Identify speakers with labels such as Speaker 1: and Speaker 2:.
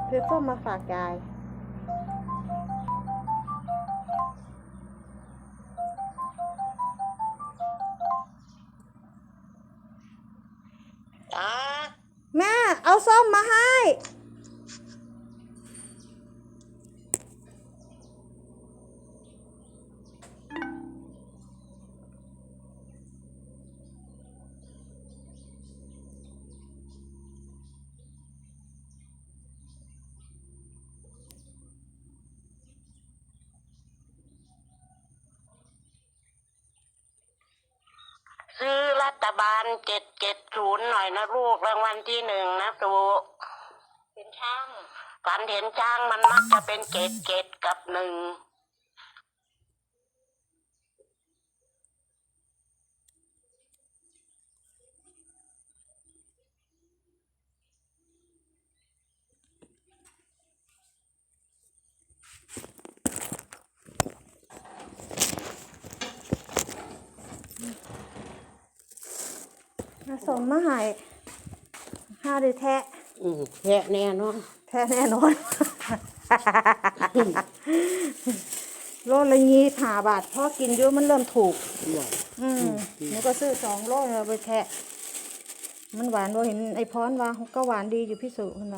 Speaker 1: ซื้อส้มมาฝากยายแม่เอาส้มมาให้
Speaker 2: ซื้อรัฐบาล770หน่อยนะลูกรางวัลที่1นะตูเห็นช่างฝันเห็นช่างมันมักจะเป็น7กับ1
Speaker 1: ส้มมาให้ห้าได้แทะ
Speaker 2: แท้แน่นอน
Speaker 1: แทะแน่นอนโลละ25 บาทพอกินเยอะมันเริ่มถูกหนูก็ซื้อ2 โลเอาไปแทะมันหวานบ่เห็นไอ้พรว่าก็หวานดีอยู่พี่สุ